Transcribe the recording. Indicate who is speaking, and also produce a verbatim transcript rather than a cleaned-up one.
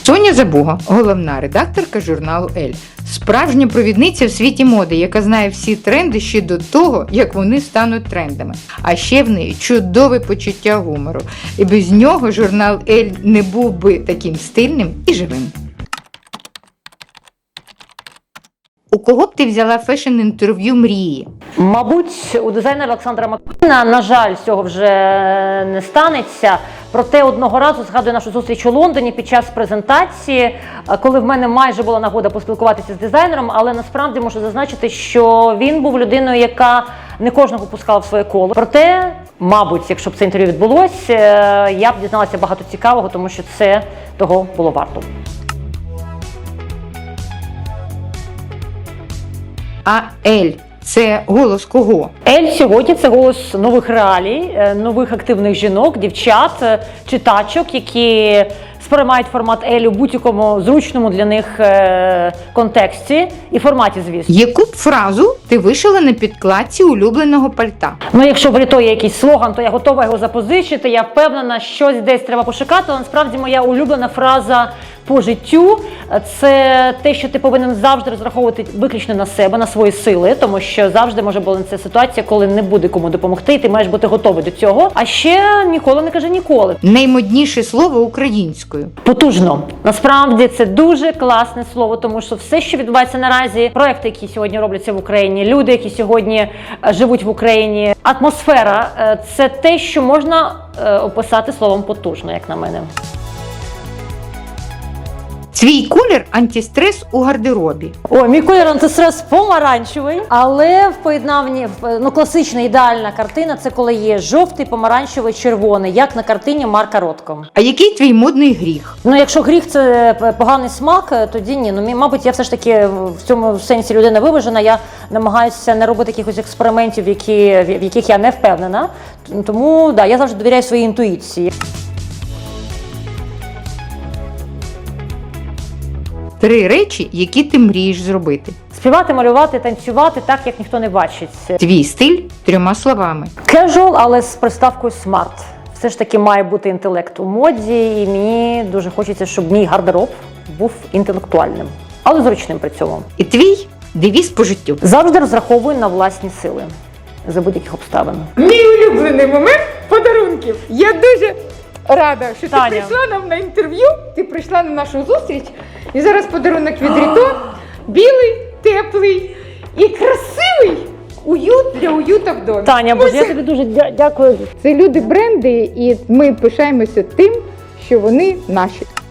Speaker 1: Соня Забуга, головна редакторка журналу «Ель». Справжня провідниця в світі моди, яка знає всі тренди ще до того, як вони стануть трендами. А ще в неї чудове почуття гумору. І без нього журнал «Ель» не був би таким стильним і живим. У кого б ти взяла фешн-інтерв'ю мрії?
Speaker 2: Мабуть, у дизайнера Олександра Маккуїна, на жаль, цього вже не станеться. Проте одного разу згадую нашу зустріч у Лондоні під час презентації, коли в мене майже була нагода поспілкуватися з дизайнером, але насправді можу зазначити, що він був людиною, яка не кожного пускала в своє коло. Проте, мабуть, якщо б це інтерв'ю відбулося, я б дізналася багато цікавого, тому що це того було варто.
Speaker 1: А «Ель» – це голос кого?
Speaker 2: «Ель» сьогодні – це голос нових реалій, нових активних жінок, дівчат, читачок, які сприймають формат «Ель» у будь-якому зручному для них контексті і форматі, звісно.
Speaker 1: Яку б фразу ти вишила на підкладці улюбленого пальта?
Speaker 2: Ну, якщо в Ріто є якийсь слоган, то я готова його запозичити, я впевнена, щось десь треба пошукати, але насправді моя улюблена фраза по життю – це те, що ти повинен завжди розраховувати виключно на себе, на свої сили, тому що завжди може бути ситуація, коли не буде кому допомогти, і ти маєш бути готовий до цього. А ще ніколи не кажи ніколи.
Speaker 1: Наймодніше слово українською?
Speaker 2: Потужно. Насправді це дуже класне слово, тому що все, що відбувається наразі, проекти, які сьогодні робляться в Україні, люди, які сьогодні живуть в Україні, атмосфера – це те, що можна описати словом потужно, як на мене.
Speaker 1: Твій колір антистрес у гардеробі?
Speaker 2: О, мій колір антистрес помаранчевий, але в поєднанні, ну, класична ідеальна картина – це коли є жовтий, помаранчевий, червоний, як на картині Марка Ротко.
Speaker 1: А який твій модний гріх?
Speaker 2: Ну, якщо гріх – це поганий смак, тоді ні. Ну, мабуть, я все ж таки в цьому сенсі людина виважена, я намагаюся не робити якихось експериментів, які, в яких я не впевнена. Тому, да, я завжди довіряю своїй інтуїції.
Speaker 1: Три речі, які ти мрієш зробити?
Speaker 2: Співати, малювати, танцювати так, як ніхто не бачить.
Speaker 1: Твій стиль трьома словами.
Speaker 2: Casual, але з приставкою smart. Все ж таки має бути інтелект у моді, і мені дуже хочеться, щоб мій гардероб був інтелектуальним, але зручним при цьому.
Speaker 1: І твій девіз по життю?
Speaker 2: Завжди розраховую на власні сили, за будь-яких обставин.
Speaker 1: Мій улюблений момент подарунків. Я дуже рада, що
Speaker 2: Таня,
Speaker 1: ти прийшла нам на інтерв'ю, ти прийшла на нашу зустріч. І зараз подарунок від Ріто. Білий, теплий і красивий уют для уюта в домі.
Speaker 2: Таня, боже, я тобі дуже дя дякую.
Speaker 1: Це люди бренди, і ми пишаємося тим, що вони наші.